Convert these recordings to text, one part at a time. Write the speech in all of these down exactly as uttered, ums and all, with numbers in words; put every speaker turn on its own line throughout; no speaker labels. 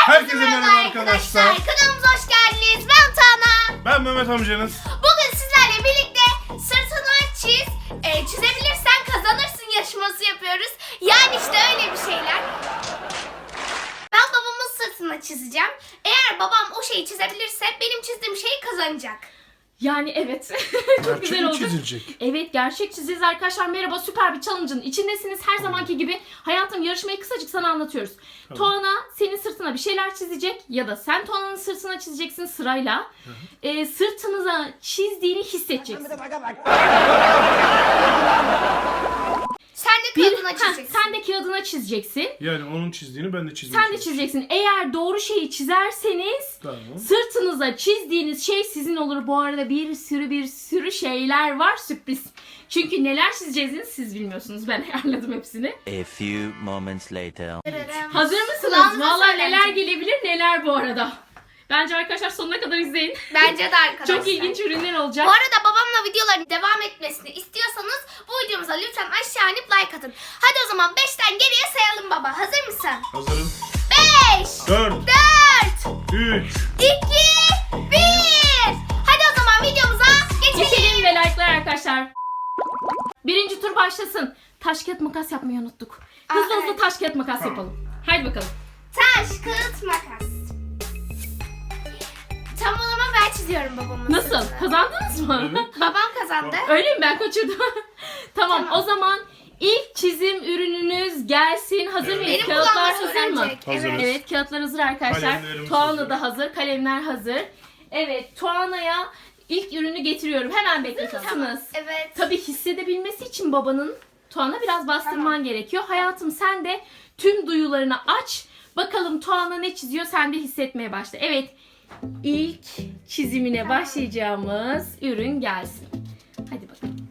Herkese merhaba arkadaşlar.
Kanalımıza hoş geldiniz. Ben Tuana.
Ben Mehmet amcanız.
Bugün sizlerle birlikte sırtını çiz, e, çizebilirsen kazanırsın yarışması yapıyoruz. Yani işte öyle bir şeyler. Ben babamın sırtını çizeceğim. Eğer babam o şeyi çizebilirse benim çizdiğim şeyi kazanacak.
Yani evet. Çok
Gerçek
güzel
mi
oldu.
çizilecek?
Evet, gerçek çizeceğiz arkadaşlar. Merhaba, süper bir challenge'ın içindesiniz. Her zamanki gibi hayatım, yarışmayı kısacık sana anlatıyoruz.
Tamam.
Tuana senin sırtına bir şeyler çizecek ya da sen Tuana'nın sırtına çizeceksin sırayla. Ee, sırtınıza çizdiğini hissedeceksin.
Sen de
Bir,
kağıdına
heh,
çizeceksin.
sen de kağıdına çizeceksin.
Yani onun çizdiğini ben de çizmeye
Sen de çizeceksin. Eğer doğru şeyi çizerseniz
Tamam.
sırtınıza çizdiğiniz şey sizin olur. Bu arada bir sürü bir sürü şeyler var, sürpriz. Çünkü neler çizeceğinizi siz bilmiyorsunuz. Ben ayarladım hepsini.
A few moments later.
Hazır mısınız?
Kulağınıza
Vallahi
söylenecek.
neler gelebilir neler bu arada. Bence arkadaşlar sonuna kadar izleyin.
Bence de arkadaşlar.
Çok ilginç ürünler olacak.
Bu arada babamla videoların devam etmesini istiyorsanız bu videomuza lütfen aşağı inip like atın. Hadi o zaman beşten geriye sayalım baba. Hazır mısın?
Hazırım.
beş,
dört,
dört,
üç.
iki, bir. Hadi o zaman videomuza geçelim.
Geçelim ve like'lar arkadaşlar. Birinci tur başlasın. Taş kağıt makas yapmayı unuttuk. Hızlı
Aa,
hızlı
evet.
taş kağıt makas
Tamam.
yapalım. Haydi bakalım.
Taş, kağıt, makas. Tam o zaman ben çiziyorum babamın
Nasıl?
sırtını.
Kazandınız mı?
Evet.
Babam kazandı.
Öyle mi? Ben kaçırdım. tamam,
Tamam.
o zaman ilk çizim ürününüz gelsin. Hazır
Evet.
mıyız?
Benim
Kağıtlar
kulağıma
hazır mı?
söylenecek.
Hazırız.
Evet.
Evet, kağıtlar hazır arkadaşlar.
Kalemlerimiz
Tuana
hazır.
da hazır, kalemler hazır. Evet, Tuana'ya ilk ürünü getiriyorum. Hemen bekletirsiniz.
Evet.
Tabii hissedebilmesi için babanın Tuana biraz bastırman
Tamam.
gerekiyor. Hayatım, sen de tüm duyularını aç. Bakalım Tuana ne çiziyor, sen de hissetmeye başla. Evet, ilk çizimine başlayacağımız ürün gelsin. Hadi bakalım.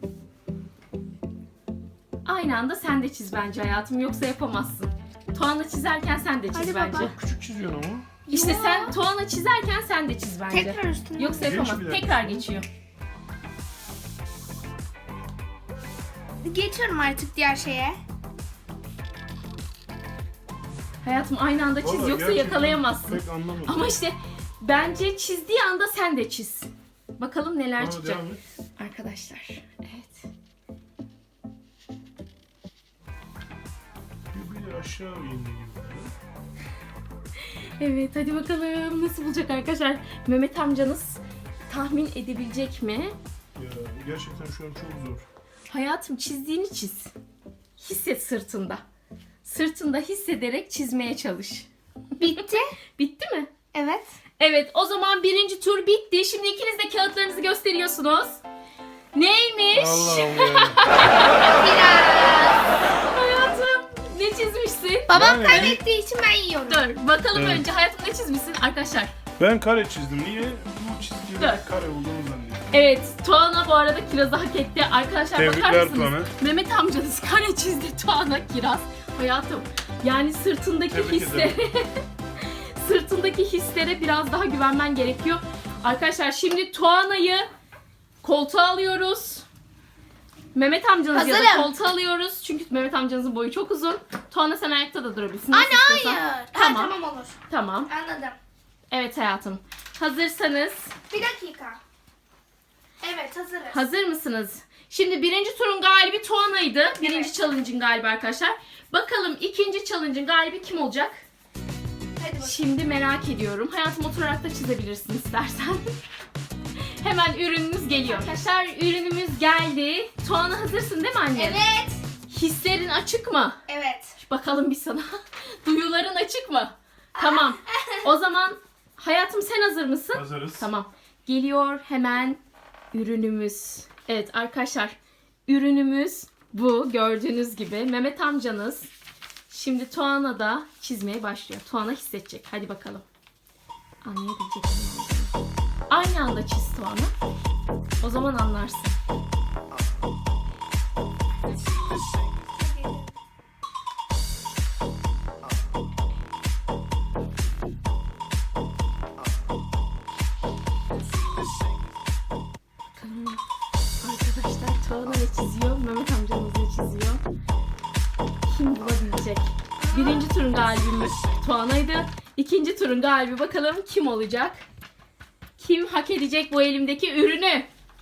Aynı anda sen de çiz bence hayatım, yoksa yapamazsın. Tuana çizerken sen de çiz
Hadi
bence.
baba.
Küçük çiziyorsun ama.
İşte
Ya.
sen Tuana çizerken sen de çiz bence.
Tekrar üstüne.
Yoksa
Geç
yapamaz.
bir dakika.
Tekrar geçiyor.
Geçiyorum artık diğer şeye.
Hayatım, aynı anda çiz,
Vallahi
yoksa
gerçekten
yakalayamazsın.
Pek anlamadım.
Ama işte bence çizdiği anda sen de çiz. Bakalım neler
Tamam,
çıkacak.
devam et.
Arkadaşlar. Evet.
Bir, bir aşağı indi gibi.
Evet, hadi bakalım nasıl bulacak arkadaşlar. Mehmet amcanız tahmin edebilecek mi?
Ya gerçekten şu an çok zor.
Hayatım, çizdiğini çiz. Hisset sırtında. Sırtında hissederek çizmeye çalış.
Bitti.
Bitti mi?
Evet.
Evet, o zaman birinci tur bitti. Şimdi ikiniz de kağıtlarınızı gösteriyorsunuz. Neymiş?
Allah'ım ya.
Biraz.
Hayatım, ne çizmişsin?
Babam
Yani-
kaybettiği için ben yiyorum.
Dur, bakalım
Evet.
önce hayatım ne çizmişsin arkadaşlar.
Ben kare çizdim. Niye? Bu çizgilerin
Dur.
kare olduğunu zannediyorum.
Evet, Tuana bu arada kirazı hak etti. Arkadaşlar bakar
Tebrikler
mısınız?
Tuana.
Mehmet amcanız kare çizdi, Tuana kiraz. Hayatım, yani sırtındaki
Tebrik
hislere sırtındaki hislere biraz daha güvenmen gerekiyor. Arkadaşlar, şimdi Tuana'yı koltuğa alıyoruz. Mehmet amcanız ya da
Hazırım.
koltuğa alıyoruz. Çünkü Mehmet amcanızın boyu çok uzun. Tuana, sen ayakta da durabilirsin. Nasıl
Anne
istiyorsan.
hayır.
Tamam.
Ha, tamam olur.
Tamam.
Anladım.
Evet hayatım. Hazırsanız
Bir dakika. Evet hazırız.
hazır mısınız? Şimdi birinci turun galibi Tuana'ydı. Birinci
Evet.
challenge'ın galibi arkadaşlar. Bakalım ikinci challenge'ın galibi kim olacak?
Hadi bakalım.
Şimdi merak ediyorum. Hayatım, oturarak da çizebilirsin istersen. Hemen ürünümüz geliyor. Arkadaşlar, ürünümüz geldi. Tuana, hazırsın değil mi anne?
Evet.
Hislerin açık mı?
Evet.
Bakalım bir sana. Duyuların açık mı? Tamam. O zaman hayatım, sen hazır mısın?
Hazırız.
Tamam. Geliyor hemen ürünümüz. Evet arkadaşlar, ürünümüz bu. Gördüğünüz gibi Mehmet amcanız şimdi Tuana da çizmeye başlıyor. Tuana hissedecek. Hadi bakalım. Anlayabilecek mi? Aynı anda çiz Tuana. O zaman anlarsın. Bakalım arkadaşlar, Tuana ne çiziyor? Mehmet amcamız ne çiziyor? Kim bulabilecek? Birinci turun galibimiz Tuana'ydı. İkinci ikinci turun galibi bakalım kim olacak? Kim hak edecek bu elimdeki ürünü?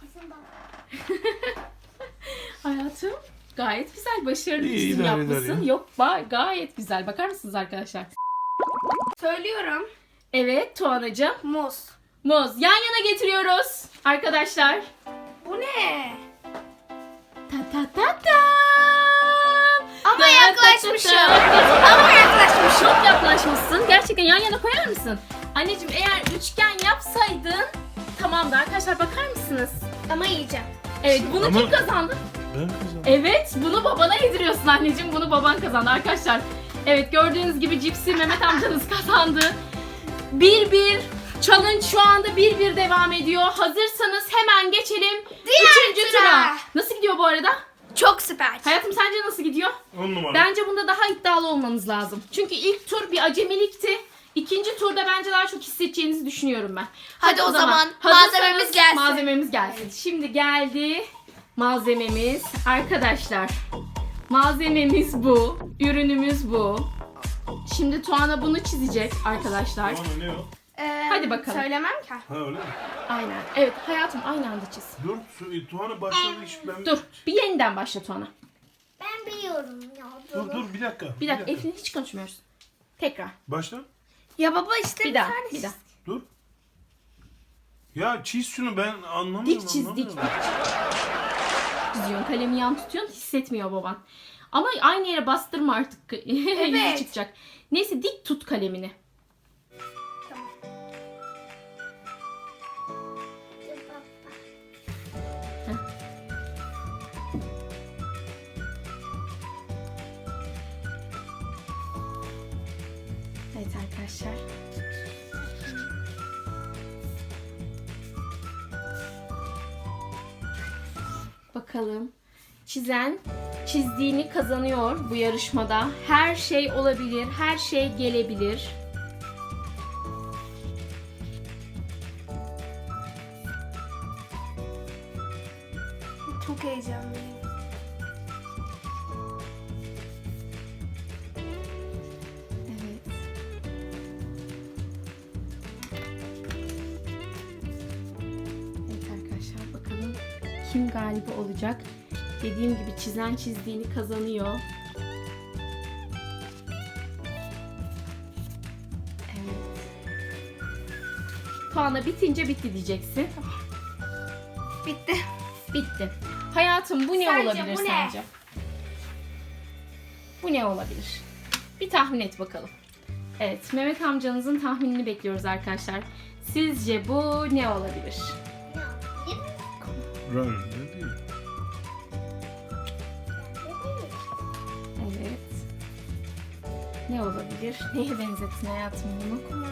Hayatım gayet güzel, başarılı
İyi,
çizim
idare eder
yapmışsın.
ya.
Yok ba- gayet güzel. Bakar mısınız arkadaşlar?
Söylüyorum.
Evet Tuğanacığım.
Muz.
Muz yan yana getiriyoruz arkadaşlar.
Bu ne?
Ta ta ta ta.
Ama
Ta
yaklaşmışım.
ta ta ta.
Ama yaklaşmışım.
Çok yaklaşmışsın. Gerçekten yan yana koyar mısın? Anneciğim eğer üçgen yapsaydın tamamdı arkadaşlar, bakar mısınız?
Ama yiyeceğim.
Evet bunu
Ama-
kim kazandı?
Ben kazandım.
Evet bunu babana yediriyorsun anneciğim. Bunu baban kazandı arkadaşlar. Evet gördüğünüz gibi cipsi Mehmet amcanız kazandı. Bir bir. Challenge şu anda bir bir devam ediyor. Hazırsanız hemen geçelim
Diğer
üçüncü
tura.
tura. Nasıl gidiyor bu arada?
Çok süper.
Hayatım sence nasıl gidiyor?
On numara.
Bence bunda daha iddialı olmanız lazım. Çünkü ilk tur bir acemilikti. İkinci turda bence daha çok hissedeceğinizi düşünüyorum ben.
Hadi o zaman
hazırsanız
malzememiz gelsin.
Malzememiz gelsin. Şimdi geldi malzememiz. Arkadaşlar malzememiz bu. Ürünümüz bu. Şimdi Tuana bunu çizecek arkadaşlar.
Bana ne o?
Ee,
Hadi bakalım.
Söylemem ki.
Ha öyle mi?
Aynen. Evet hayatım aynı anda çiz.
Dur, su- Tuğan'a başladı iş. Ben...
Dur bir yeniden başla Tuana.
Ben biliyorum ya.
Dur dur bir dakika.
Bir dakika Eflin hiç konuşmuyoruz. Tekrar.
Başla.
Ya baba işte
Bir
bir,
daha.
tane
Bir daha.
Dur. Ya çiz şunu, ben anlamıyorum.
Dik çiz dik.
anlamıyorum.
dik. Çiziyorsun kalemi yan tutuyorsun hissetmiyor baban. Ama aynı yere bastırma artık. Yüzü
Evet.
çıkacak. Neyse dik tut kalemini.
Tamam.
Evet arkadaşlar. Bakalım. Çizen çizdiğini kazanıyor bu yarışmada. Her şey olabilir, her şey gelebilir.
Çok heyecanlıyım.
Evet. Evet arkadaşlar bakalım kim galibi olacak. Dediğim gibi çizen çizdiğini kazanıyor. Evet. Puanla bitince bitti diyeceksin.
Bitti.
Bitti. Hayatım bu ne
Sence
olabilir
bu ne?
sence? Bu ne olabilir? Bir tahmin et bakalım. Evet, Mehmet amcanızın tahminini bekliyoruz arkadaşlar. Sizce bu ne olabilir?
Run. Ne değil.
Evet. Ne olabilir? Neye benzettin hayatım bunu?
Bir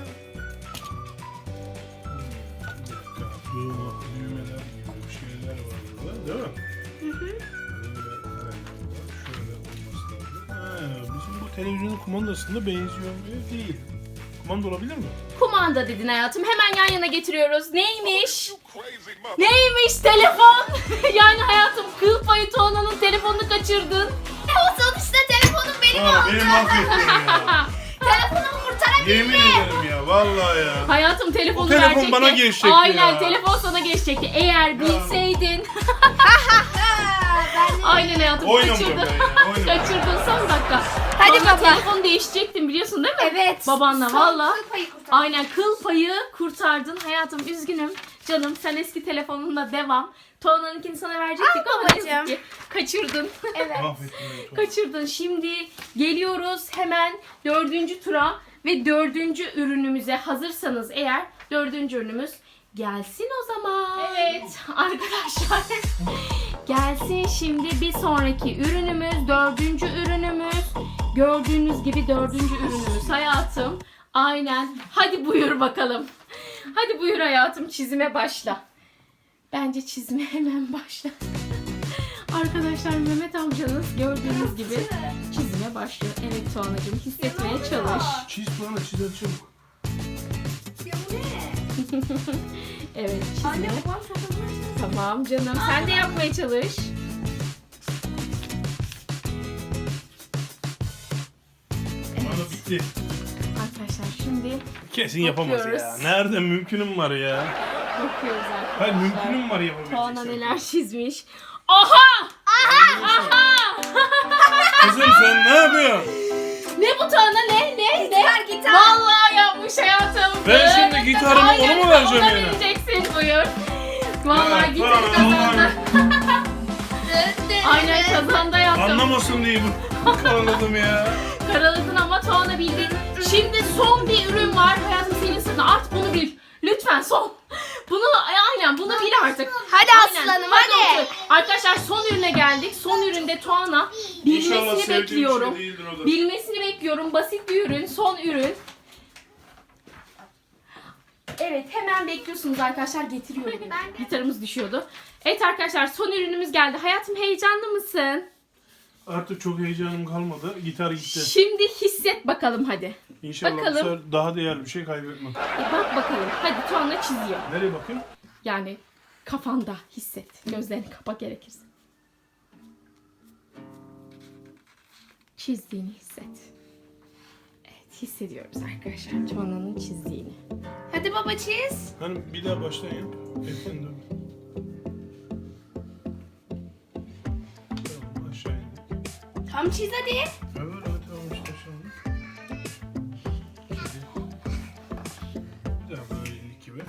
dakika. Düğme, düğmeler gibi şeyler var burada. Değil mi?
Hı hı.
Böyle kareler var. Şöyle olması lazım. Ha, bizim bu televizyonun kumandasında benziyor mu? Değil. Kumanda olabilir mi?
Kumanda dedin hayatım. Hemen yan yana getiriyoruz. Neymiş? Neymiş telefon? Yani hayatım kıl payı Tuana'nın telefonunu kaçırdın.
O sonuçta telefonum benim
Aa,
oldu.
beni mahvettin ya.
Telefonumu kurtarabildim.
Yemin ederim ya. Vallahi ya.
Hayatım telefonu
O telefon
verecekti.
bana geçecekti
Aynen
ya.
telefon sana geçecekti. Eğer bilseydin.
Ben de-
Aynen hayatım
Oynamayacağım
kaçırdın.
ben ya. Oynamayacağım.
Kaçırdın son dakika.
Hadi
Sonra
baba.
telefonu değişecektin biliyorsun değil mi?
Evet.
Babanla
Son
valla.
kıl payı kurtardım.
Aynen kıl payı kurtardın. Hayatım üzgünüm. Canım sen eski telefonunla devam. Tuana'nınkini sana verecektik
Ah
ama ne
babacığım.
yazık ki kaçırdın.
Evet.
Mahvettin beni.
Kaçırdın. Şimdi geliyoruz hemen dördüncü tura ve dördüncü ürünümüze hazırsanız eğer dördüncü ürünümüz gelsin o zaman. Evet arkadaşlar gelsin şimdi bir sonraki ürünümüz dördüncü ürünümüz. Gördüğünüz gibi dördüncü ürünümüz hayatım. Aynen. Hadi buyur bakalım. Hadi buyur hayatım çizime başla. Bence çizime hemen başla. Arkadaşlar Mehmet amcanız gördüğünüz gibi çizime başlıyor. Evet Tuana'cığım hissetmeye çalış.
Çiz Tuğan'a, çiz hadi çabuk.
Ya bu ne?
Evet
Anne
çizime.
babam çok hızlı.
Tamam canım sen de yapmaya çalış.
Tuğan'a bitti.
Arkadaşlar şimdi
Kesin yapamaz ya.
Bakıyoruz.
Nerede mümkünüm var ya.
Bakıyoruz arkadaşlar.
Hayır mümkünüm var yapabilecek.
Tuana
şey.
neler çizmiş. Aha!
Kızım sen ne yapıyorsun?
Ne bu Tuana ne ne ne?
Gitar, gitar.
Vallahi yapmış hayatım.
Ben şimdi gitarımı
Hayır,
ona mı vereceğim
ona
yani?
vereceksin buyur. Vallahi
Evet,
gitarı
tamam,
kazandı. Aynen kazandı hayatım.
Anlamasın diye bu karaladım ya.
Karaladın ama Tuana bildi. Şimdi son bir ürün var hayatım senin sırtına. Artık bunu bil. Lütfen son. Bunu aynen bunu bil artık.
Hadi
Aynen.
aslanım, hadi.
otur. Arkadaşlar son ürüne geldik. Son üründe Tuana
İnşallah
bilmesini
sevdiğim
bekliyorum.
şey değildir o da.
Bilmesini bekliyorum. Basit bir ürün. Son ürün. Evet hemen bekliyorsunuz arkadaşlar. Getiriyorum.
Ben de.
Gitarımız düşüyordu. Evet arkadaşlar son ürünümüz geldi. Hayatım heyecanlı mısın?
Artık çok heyecanım kalmadı. Gitar gitti.
Şimdi hisset bakalım hadi.
İnşallah
bakalım.
bu sefer daha değerli bir şey kaybetmem.
E, bak bakalım. Hadi Tuana çiziyor.
Nereye bakayım?
Yani kafanda hisset. Gözlerini kapa gerekirse. Çizdiğini hisset. Evet hissediyoruz arkadaşlar Tuana'nın çizdiğini.
Hadi baba çiz.
Hani bir daha baştan yap. Ekten dur. Tamam aşağı indik.
Tam çiz hadi.
Evet evet tamam işte aşağı indik. Bir daha böyle indik gibi.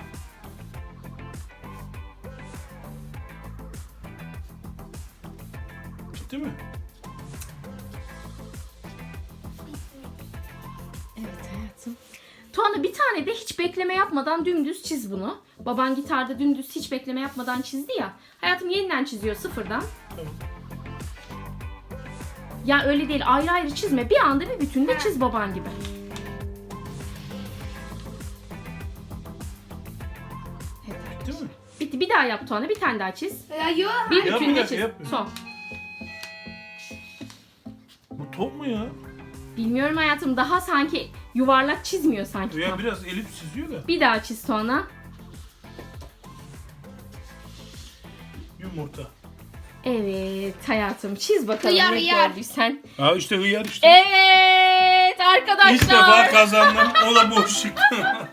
Bitti mi?
Evet hayatım. Tuana bir tane de hiç bekleme yapmadan dümdüz çiz bunu. Baban gitarda dümdüz hiç bekleme yapmadan çizdi ya. Hayatım yeniden çiziyor sıfırdan.
Tamam.
Ya öyle değil ayrı ayrı çizme. Bir anda bir bütünde çiz baban gibi. Evet
Bitti
arkadaşlar.
mi?
Bitti. Bir daha yap Tuana. Bir tane daha çiz.
Ya yok.
Bir
Yap,
bütünde
yap,
çiz.
yap.
Son.
Bu top mu ya?
Bilmiyorum hayatım. Daha sanki yuvarlak çizmiyor sanki.
Ya
tam.
biraz elip çiziyor da.
Bir daha çiz Tuana.
Yumurta.
Evet hayatım. Çiz bakalım
Hıyar,
ne
hıyar.
gördüysen.
Ha işte hıyar işte.
Evet arkadaşlar.
İlk defa kazandım. O da boş çıktı.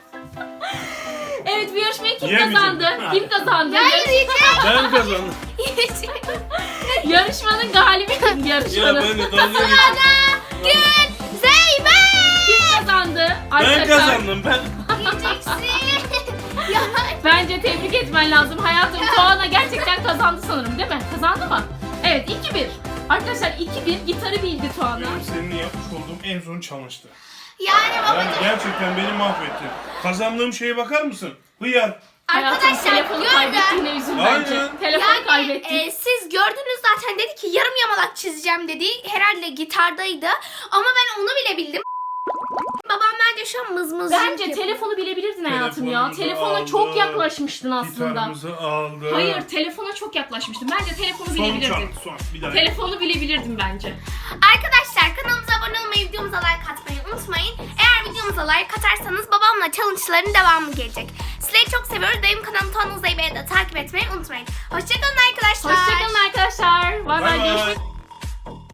Evet bu yarışmayı kim
Yemeyeceğim.
kazandı? Kim kazandı?
Hayır yiyeceğim.
Ben kazandım.
Yarışmanın galibi kim?
Ya
Yarışmanın.
ben de dalga geçtim.
Gün Zeybek.
Kim kazandı?
Ben
Arkadaşlar,
kazandım ben.
Yiyeceksin. Ya
bence tebrik etmen lazım. Hayatım Tuana gerçekten kazandı sanırım değil mi? Kazandı mı? Evet iki bir. Arkadaşlar iki bir gitarı bildi Tuana.
Benim seninle yapmış olduğum en son challenge'tı.
yani
Yani
babacığım.
gerçekten beni mahvetti. Kazandığım şeye bakar mısın? Hıyar.
Hayatım
Arkadaşlar
telefonu
gördüm.
kaybettiğine üzül bence.
Aynen.
Telefonu
Yani
kaybettin.
e, siz gördünüz zaten dedi ki yarım yamalak çizeceğim dedi. Herhalde gitardaydı. Ama ben onu bile bildim. Babam bence şu an mızmız.
Bence telefonu bilebilirdin hayatım ya.
Telefonumuzu
Telefona
aldı.
çok yaklaşmıştın aslında.
Gitarımızı aldı.
Hayır telefona çok yaklaşmıştın. Bence telefonu
Son
bilebilirdin.
çal. Son. Bir daha.
Telefonu bilebilirdin bence.
Arkadaşlar kanalımıza abone olmayı, videomuza like atmayı unutmayın. Eğer videomuza like atarsanız babamla challenge'ların devamı gelecek. Sizleri çok seviyoruz. Benim kanalım Tuana Zeybek'i de takip etmeyi unutmayın. Hoşçakalın arkadaşlar.
Hoşçakalın arkadaşlar. Bay
Bay
bay.
bay.
Görüşmek